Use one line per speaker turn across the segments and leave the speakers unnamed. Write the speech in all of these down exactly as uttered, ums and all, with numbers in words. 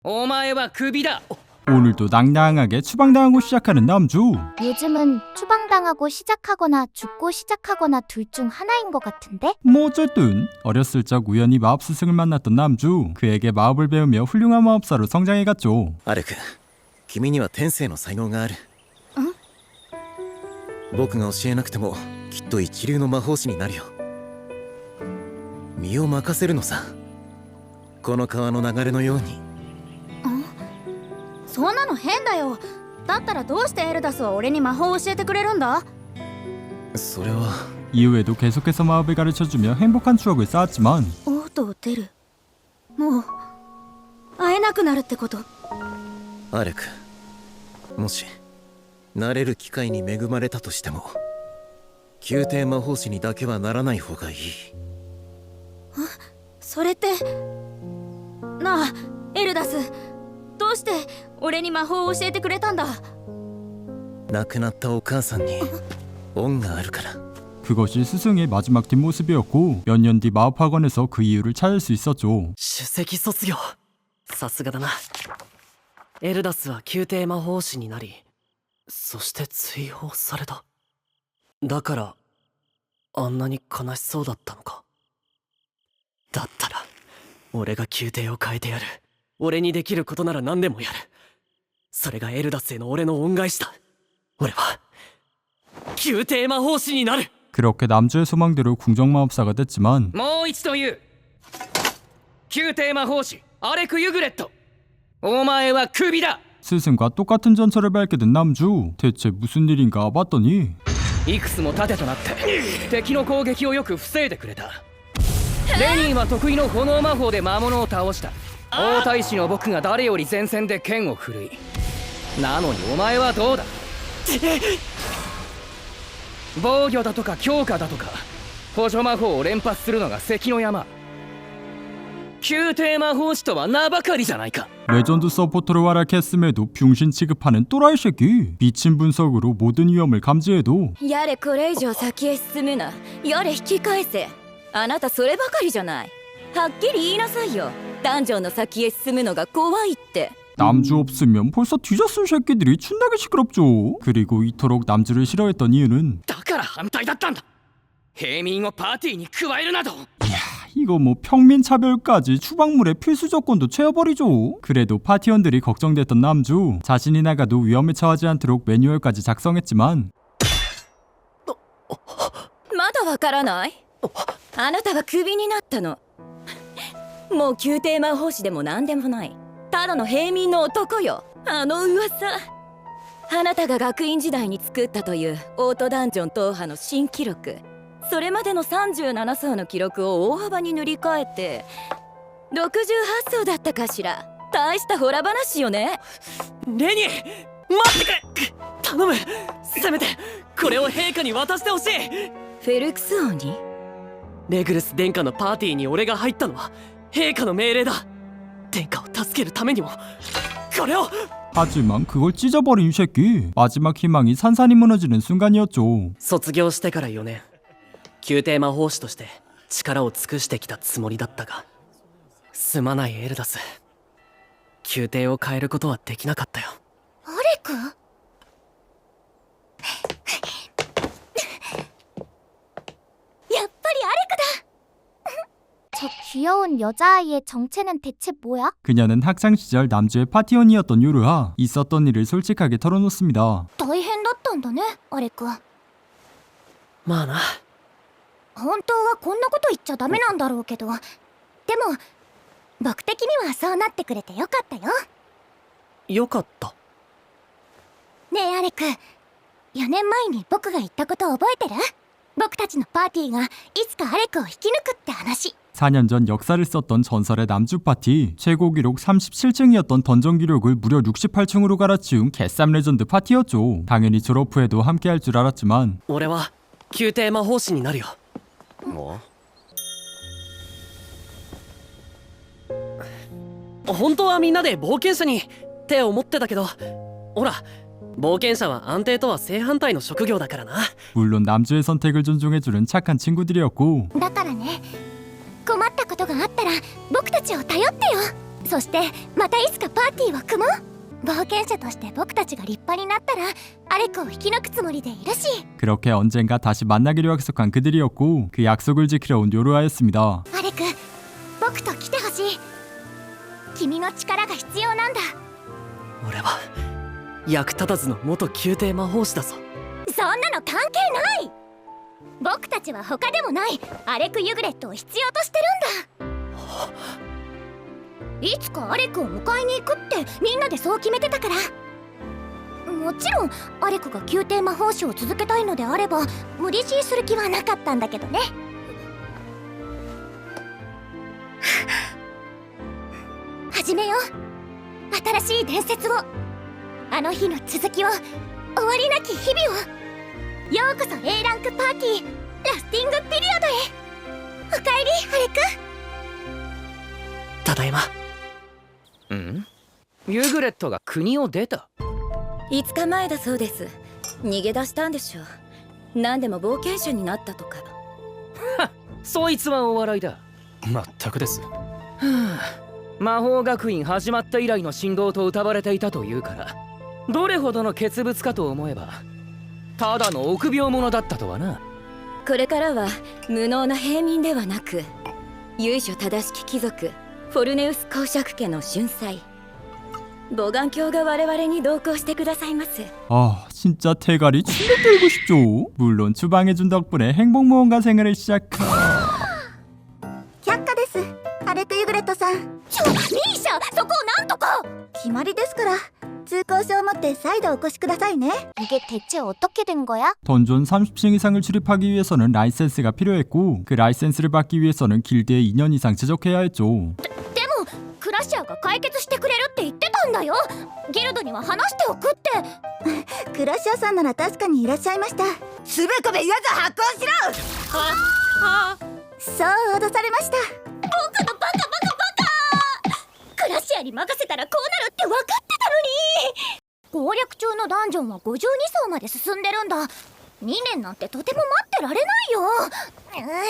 お前はクビだ.
오늘도 낭낭하게 추방당하고 시작하는 남주.
요즘은 추방당하고 시작하거나 죽고 시작하거나 둘 중 하나인 것 같은데?
뭐 어쨌든 어렸을 적 우연히 마법스승을 만났던 남주. 그에게 마법을 배우며 훌륭한 마법사로 성장해갔죠.
アレク、君には天性の才能がある。僕が教えなくてもきっと一流の魔法師になるよ。身を任せるのさ。この川の流れのように。
そんなの変だよ。だったらどうしてエルダスは俺に魔法を教えてくれるんだ？
それは
이후에도 계속해서 마법을 가르쳐주며 행복한 추억을 쌓았지만
オートを出る。もう会えなくなるってこと？
アレク、もしなれる機会に恵まれたとしても宮廷魔法師にだけはならない方がいい。
それってなあエルダス、どうして俺に魔法を教えてくれたんだ？
亡くなったお母さんに恩があるから。
그것이 스승의 마지막 뒷모습이었고 몇 년 뒤 마법학원에서 그 이유를 찾을 수 있었죠.
首席卒業。さすがだな。エルダスは宮廷魔法師になり、そして追放された。だからあんなに悲しそうだったのか。だったら俺が宮廷を変えてやる。俺にできることなら何でもやる。それがエルダスへの俺の恩返しだ。俺は宮廷魔法師になる。
그렇게 남주의 소망대로 궁정마법사가 됐지만
もう一度言う。宮廷魔法師アレク・ユグレット、お前はクビだ.
스승과 똑같은 전철을 밟게 된 남주. 대체 무슨 일인가 봤더니
いくつも盾となって敵の攻撃をよく防いでくれた。レニーは得意の炎魔法で魔物を倒した。王太子の僕が誰より前線で剣を振るい。なのにお前はどうだ。防御だとか強化だとか補助魔法を連発するのが関の山。宮廷魔法師とは名ばかりじゃないか。
레전드 서포터를 활약했음에도 병신 취급하는 또라이 새끼. 미친 분석으로 모든 위험을 감지해도
やれこれ以上先へ進むな。やれ引き返せ。あなたそればかりじゃない。はっきり言いなさいよ。ダンジョンの先へ進むのが怖いって。
남주 없으면 벌써 뒤졌을 새끼들이 춘나게 시끄럽죠. 그리고 이토록 남주를 싫어했던 이유는
だから反対だったんだ。平民をパーティーに加えるなど。
이거 뭐 평민 차별까지 추방물의 필수 조건도 채워버리죠. 그래도 파티원들이 걱정됐던 남주. 자신이 나가도 위험에 처하지 않도록 매뉴얼까지 작성했지만
まだわからない？あなたはクビになったの。もう宮廷魔法師でも何でもない。ただの平民の男よ。あの噂。あなたが学院時代に作ったというオートダンジョン踏破の新記録。それまでのさんじゅうなな層の記録を大幅に塗り替えてろくじゅうはち層だったかしら。大したホラ話よね。
レニー、待ってくれ。頼む。せめてこれを陛下に渡してほしい。
フェルクス王に？
レグルス殿下のパーティーに俺が入ったのは陛下の命令だ。殿下を助けるためにもこれを。
하지만 그걸 찢어버린 이 새끼. 마지막 희망이 산산이 무너지는 순간이었죠.
卒業してからよねん、宮廷魔法師として力を尽くしてきたつもりだったが、すまないエルダス。宮廷を変えることはできなかったよ。
アレク？ やっぱりアレクだ! 저 귀여운 여자아이의 정체는 대체 뭐야?
그녀는 학창시절 남주의 파티원이었던 요르하. 있었던 일을 솔직하게 털어놓습니다.
大変だったんだね、アレク。
まあな。
本当はこんなこと言っちゃダメなんだろうけど、でも僕的にはそうなってくれてよかったよ。
よかった。
ねえアレク、よねんまえに僕が言ったこと覚えてる？僕たちのパーティーがいつかアレクを引き抜くって話。
사 년 전 역사를 썼던 전설의 남주 파티. 최고 기록 삼십칠 층이었던 던전 기록을 무려 육십팔 층으로 갈아치운 개쌈 레전드 파티였죠. 당연히 졸업 후에도 함께할 줄 알았지만
俺は宮廷魔法師になるよ。
も
本当はみんなで冒険者にって思ってたけど、ほら冒険者は安定とは正反対の職業だからな。
물론 남주의 선택을 존중해주는 착한 친구들이었고
だからね、困ったことがあったら僕たちを頼ってよ。 そしてまたいつかパーティーを組もう。冒険者として僕たちが立派になったらアレクを引き抜くつもりでいるし。
그렇게 언젠가 다시 만나기로 약속한 그들이었고 그 약속을 지키러 온 요루아였습니다.
アレク、僕と来てほしい。君の力が必要なんだ。
俺は役立たずの元宮廷魔法師だぞ。
そんなの関係ない。僕たちは他でもないアレク・ユグレットを必要としてるんだ。いつかアレクを迎えに行くってみんなでそう決めてたから。もちろんアレクが宮廷魔法師を続けたいのであれば無理強いする気はなかったんだけどね。始めよう、新しい伝説を。あの日の続きを、終わりなき日々を。ようこそ A ランクパーティーラスティングピリオドへ。おかえりアレク。
ただいま。
ん？ユグレットが国を出た？
いつかまえだそうです。逃げ出したんでしょう。何でも冒険者になったとか。
そいつはお笑いだ。
まったくです。
はあ、魔法学院始まった以来の信号と謳われていたというから、どれほどの傑物かと思えばただの臆病者だったとはな。
これからは無能な平民ではなく由緒正しき貴族フォルネウス公爵家の俊才ボガン卿が我々に同行してくださいます。
아 진짜 대가리 침대 때리고 싶죠. 물론 추방해준 덕분에 행복무언가 생활을 시작.
百科です。アレク・ユグレットさん。ちょ、ミーシャ、そこをなんとか。決まりですから。通行証を持って再度お越しくださいね。이게 대체 어떻게 된 거야?
던전 삼십 층 이상을 출입하기 위해서는 라이센스가 필요했고 그 라이센스를 받기 위해서는 길드에 이 년 이상 제적해야 했죠.
でもクラッシャーが解決してくれるって言ってたんだよ。ギルドには話しておくって。クラッシャーさんなら確かにいらっしゃいました。つべこべ言わず発行しろ。ははそう脅されました。僕のバカバカバカ。クラッシャーに任せたらこうなるって分かってたのに。攻略中のダンジョンはごじゅうに層まで進んでるんだ。にねんなんてとても待ってられないよ。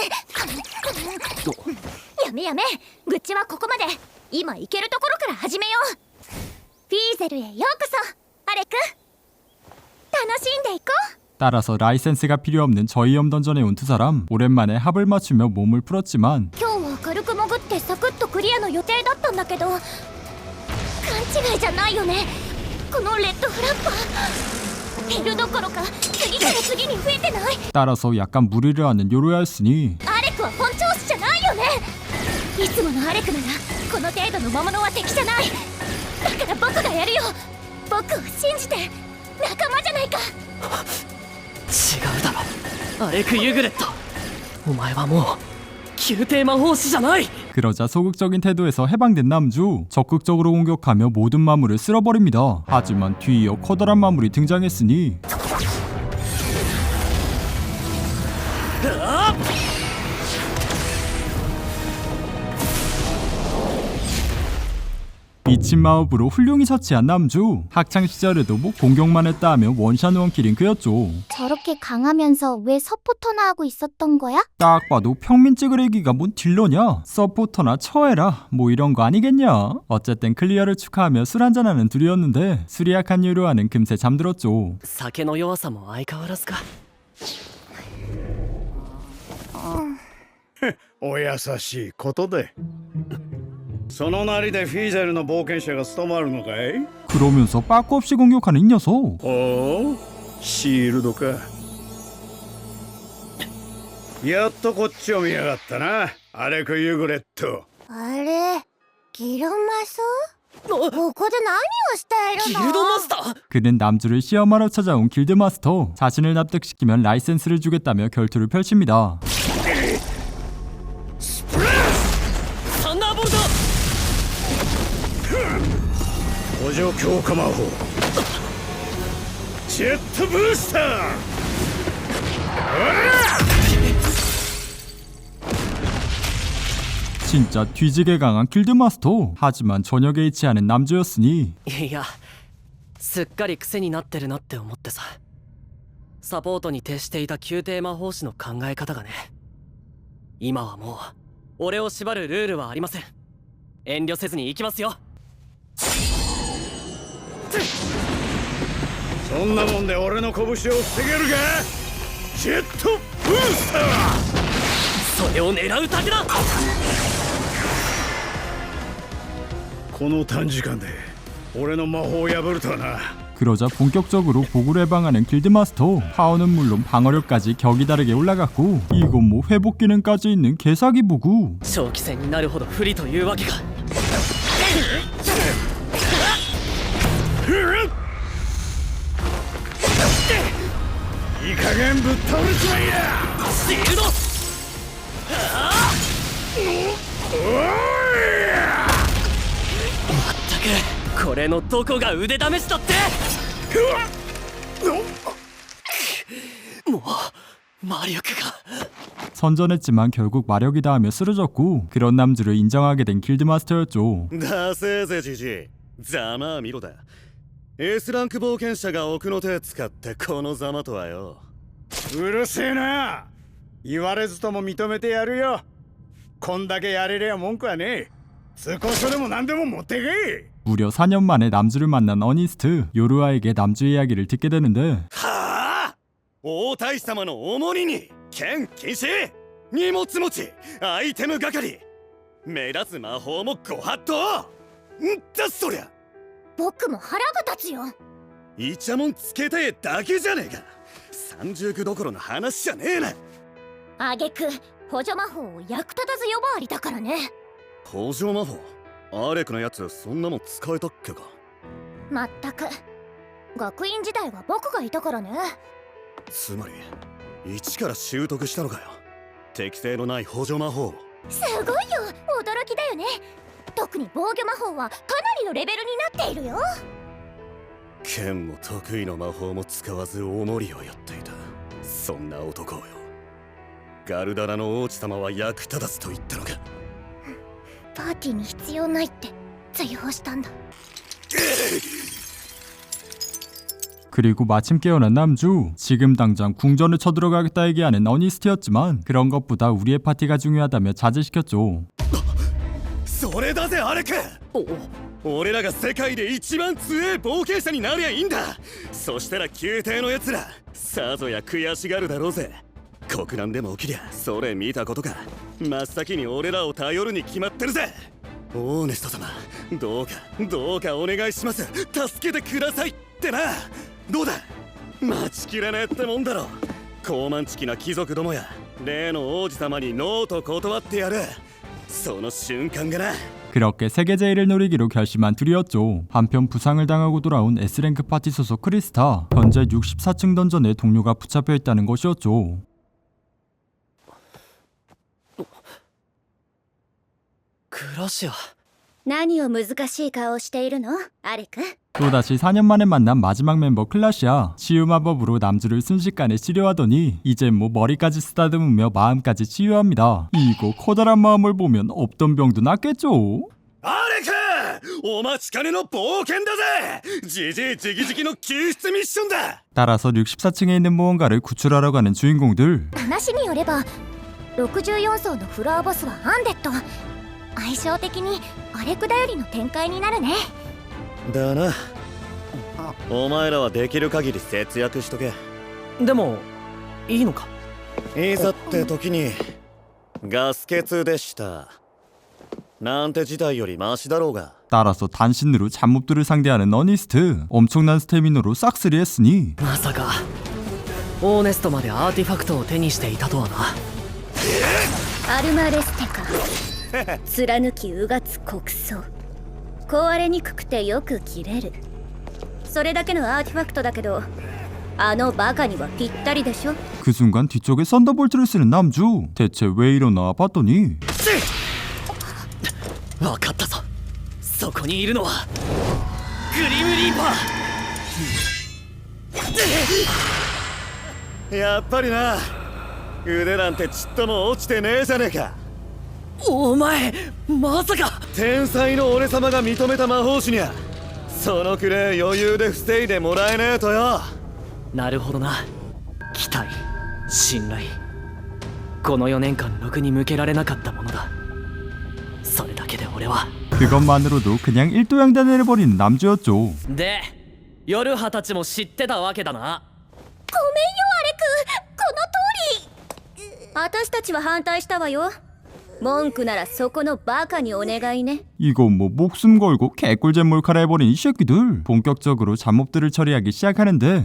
やめやめ、愚痴はここまで。今行けるところから始めよう。フィーゼルへようこそアレク。楽しんでいこう。
따라서 라이센스가 필요 없는 저희엄 던전에 온 두 사람 오랜만에 합을 맞추며 몸을 풀었지만
今日は軽く潜ってサクッとクリアの予定だったんだけど勘違いじゃないよね。このレッドフラッパー減るどころか次から次に増えてない。
따라서 약간 무리를 하는 요루야였으니
アレクは本調子じゃないよね。いつものアレクならこの程度の魔物は敵じゃない。だから僕がやるよ。僕を信じて。仲間じゃないか。
違うだろアレク・ユグレット。お前はもう宮廷魔法師じゃない。
그러자 소극적인 태도에서 해방된 남주 적극적으로 공격하며 모든 마물을 쓸어버립니다. 하지만 뒤이어 커다란 마물이 등장했으니 미친 마법으로 훌륭히 처치한 남주. 학창시절에도 뭐 공격만 했다 하면 원샷 원킬인 그였죠.
저렇게 강하면서 왜 서포터나 하고 있었던 거야?
딱 봐도 평민 찌그레기가 뭔 딜러냐? 서포터나 처해라 뭐 이런 거 아니겠냐? 어쨌든 클리어를 축하하며 술 한잔하는 둘이었는데 술이 약한 요루아는 금세 잠들었죠.
酒の弱さも相変わらずか。
お優しいことで。そのなりでフィーゼルの冒険者が務まるのかい？
그러면서 빠꾸 없이 공격하는 이 녀석.
おお、シールドか。やっとこっちを見やがったな、アレク・ユグレット。
あれ、ギルマス？ここで何をしているの？
ギルドマスター？
그는 남주를 시험하러 찾아온 길드 마스터. 자신을 납득시키면 라이센스를 주겠다며 결투를 펼칩니다.
サンダーボルト！
補助強化魔法ジェットブースター。
진짜 뒤지게 강한 길드 마스터. 하지만 전혀 개의치 않은 남주였으니
いやすっかり癖になってるなって思ってさ。サポートに徹していた宮廷魔法師の考え方がね。今はもう俺を縛るルールはありません。 遠慮せずに行きますよ。
そんなもんで俺の拳を防げるか。ジェットブースター。
それを狙うだけだ。
この短時間で俺の魔法を破るとはな。
그러자 본격적으로 복구를 해방하는 길드마스터. 파워는 물론 방어력까지 격이 다르게 올라갔고 이건 뭐 회복 기능까지 있는 개사기 부구.
長期戦になるほど不利というわけか。
いい加減ぶっ倒れちまいや。
シールド。まったくこれのどこが腕試しだって。もう魔力が。
선전했지만 결국 마력이 닿으며 쓰러졌고 그런 남주를 인정하게 된 길드마스터였죠.
だせーぜじじい、ざまあ見ろだ。 S ランク冒険者が奥の手使ってこのざまとはよ。
うるせえな。言われずとも認めてやるよ。こんだけやれりゃ文句はねえ。通行書でも何でも持ってけい。
무려 사 년 만에 남주를 만난 어니스트. 요루아에게 남주 이야기를 듣게 되는데
はあ、王太子様のお守りに剣禁止、荷物持ち、アイテム係、目立つ魔法もご法度。んだそりゃ。
僕も腹が立つよ。
イチャモンつけてえだけじゃねえか。三重苦どころの話じゃねえな。
あげく補助魔法を役立たず呼ばわりだからね。
補助魔法、アレクのやつそんなもん使えたっけか。
まったく学院時代は僕がいたからね。
つまり一から習得したのかよ、適性のない補助魔法。
すごいよ、驚きだよね。特に防御魔法はかなりのレベルになっているよ。
剣も得意の魔法も使わずお守りをやっていた、そんな男をよ。ガルダラの王子様は役立たずと言ったのか。
パーティーに必要ないって追放したんだ。
그리고 마침 깨어난 남주. 지금 당장 궁전을 쳐들어가겠다 얘기하는 어니스트였지만 그런 것보다 우리의 파티가 중요하다며 자제시켰죠.
それだぜアレク。俺らが世界で一番強い冒険者になりゃいいんだ。そしたら宮廷のやつらさぞや悔しがるだろうぜ。国難でも起きりゃそれ見たことか。真っ先に俺らを頼るに決まってるぜ。オーネスト様、どうかどうかお願いします。助けてくださいってな。どうだ、待ちきれねえってもんだろ。高慢ちきな貴族どもや例の王子様にノーと断ってやる。その瞬間がな。
그렇게 세계 제일을 노리기로 결심한 둘이었죠. 한편 부상을 당하고 돌아온 S랭크 파티 소속 크리스타. 현재 육십사 층 던전에 동료가 붙잡혀 있다는 것이었죠.
クラシア。
何を難しい顔をしているの、アレク。
또다시 사 년 만에 만난 마지막 멤버 클라시아. 치유 마법으로 남주를 순식간에 치료하더니 이젠 뭐 머리까지 쓰다듬으며 마음까지 치유합니다. 이거 커다란 마음을 보면 없던 병도 낫겠죠?
アレク、お待ちかねの冒険だぜ。じじいじきじきの救出ミッションだ。
따라서 육십사 층에 있는 무언가를 구출하러 가는 주인공들.
話によればろくじゅうよん層のフロアボスはアンデッド。相性的にアレク頼りの展開になるね。
だな。お前らはできる限り節約しとけ。
でもいいのか。
いざって時にガス欠でしたなんて事態よりマシだろうが。
따라서 단신으로 잡몹들을 상대하는 어니스트. 엄청난 스태미너로 싹쓸이 했으니
まさかオーネストまでアーティファクトを手にしていたとはな。
アルマレステか。貫きうがつ国葬。壊れにくくてよく切れる。それだけのアーティファクトだけどあのバカにはぴったりでしょ。
그 순간 뒤쪽에 썬더볼트를 쓰는 남주. 대체 왜 이러나 봤더니
分かったぞ。そこにいるのはグリムリーパー。
やっぱりな。腕なんてちっとも落ちてねえじゃねえか。
お前まさか。
天才の俺様が認めた魔法師にゃそのくらい余裕で防いでもらえねえとよ。
なるほどな。期待、信頼、このよねんかんろくに向けられなかったものだ。それだけで俺は
그것만으로도 그냥 일도양단을 해버리는 남주였죠.
で夜葉たちも知ってたわけだな。
ごめんよアレク、この通り。私たちは反対したわよ。文句ならそこのバカにお願いね。
이건 뭐 목숨 걸고 개꿀잼 몰카라 해버린 이 새끼들. 본격적으로 잡몹들을 처리하기 시작하는데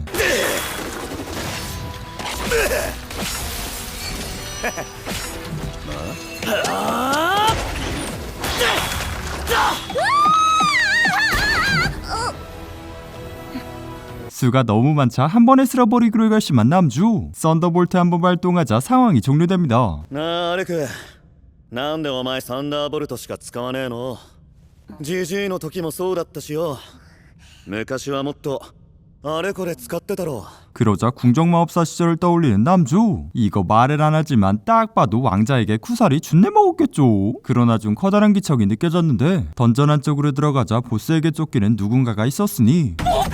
수가 너무 많자 한 번에 쓸어버리기로 결심한 남주. 썬더볼트 한 번 발동하자 상황이 종료됩니다.
なあアレク、なんでお前サンダーボルトしか使わねえの？ジジイの時もそうだったしよ。昔はもっとあれこれ使ってたろ。
그러자 궁정마법사 시절을 떠올리는 남주. 이거 말을 안 하지만 딱 봐도 왕자에게 쿠사리 준내 먹었겠죠. 그러나 좀 커다란 기척이 느껴졌는데 던전 안쪽으로 들어가자 보스에게 쫓기는 누군가가 있었으니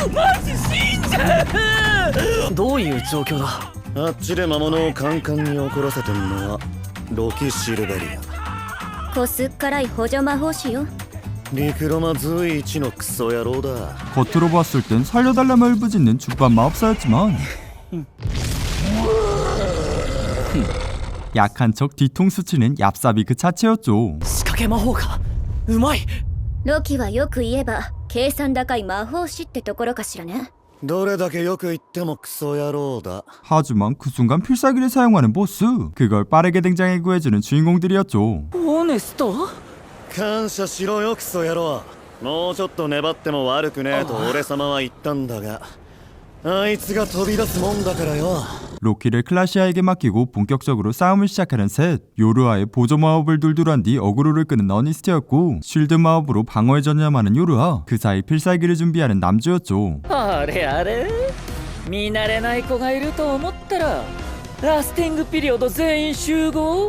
どういう状況だ？
あっちで魔物をカンカンに怒らせてんのはロキ・シルベリア。
こすっからい補助魔法師よ。
リクロマ随一のクソ野郎だ。
겉으로 봤을 땐 살려달라며 울부짖는 죽반 마법사였지만 약한 척 뒤통수 치는 얍삽이 그 자체였죠.
仕掛け魔法か。うまい。
ロキはよく言えば計算高い魔法師ってところかしらね。
どれだけよく言ってもクソ野郎だ。
하지만 그 순간 필살기를 사용하는 보스. 그걸 빠르게 등장해 구해주는 주인공들이었죠.
オネスト？
感謝しろよクソ野郎。もうちょっと粘っても悪くねえと俺様は言ったんだが、あいつが飛び出すもんだからよ。
로키를 클라시아에게 맡기고 본격적으로 싸움을 시작하는 셋. 요르아의 보조 마법을 둘둘한 뒤 어그로를 끄는 어니스트였고 쉴드 마법으로 방어에 전념하는 요르아. 그 사이 필살기를 준비하는 남주였죠.
あれあれ見慣れない子がいると思ったらラスティングピリオド全員集合。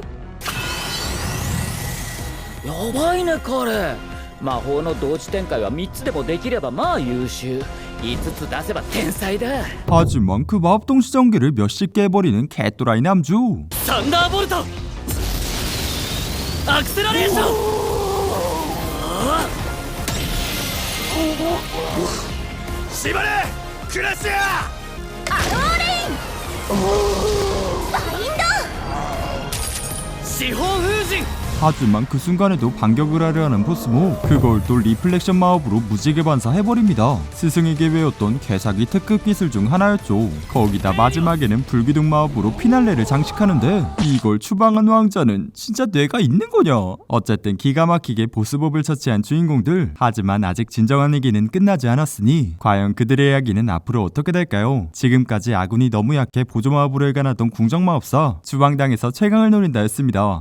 やばいね彼。魔法の同時展開はみっつでもできればまあ優秀。いつつ出せば天才だ。
하지만 그 마법 동시 전기를 몇십 개 해버리는 개또라이 남주.
サンダーボルト。アクセラレーション。
縛れクラシア。
四方風神。
하지만 그 순간에도 반격을 하려 하는 보스모. 그걸 또 리플렉션 마법으로 무지개 반사해버립니다. 스승에게 배웠던 개사기 특급 기술 중 하나였죠. 거기다 마지막에는 불기둥 마법으로 피날레를 장식하는데 이걸 추방한 왕자는 진짜 뇌가 있는 거냐. 어쨌든 기가 막히게 보스몹을 처치한 주인공들. 하지만 아직 진정한 얘기는 끝나지 않았으니 과연 그들의 이야기는 앞으로 어떻게 될까요? 지금까지 아군이 너무 약해 보조 마법으로 일관하던 궁정마법사 주방당에서 최강을 노린다 였습니다.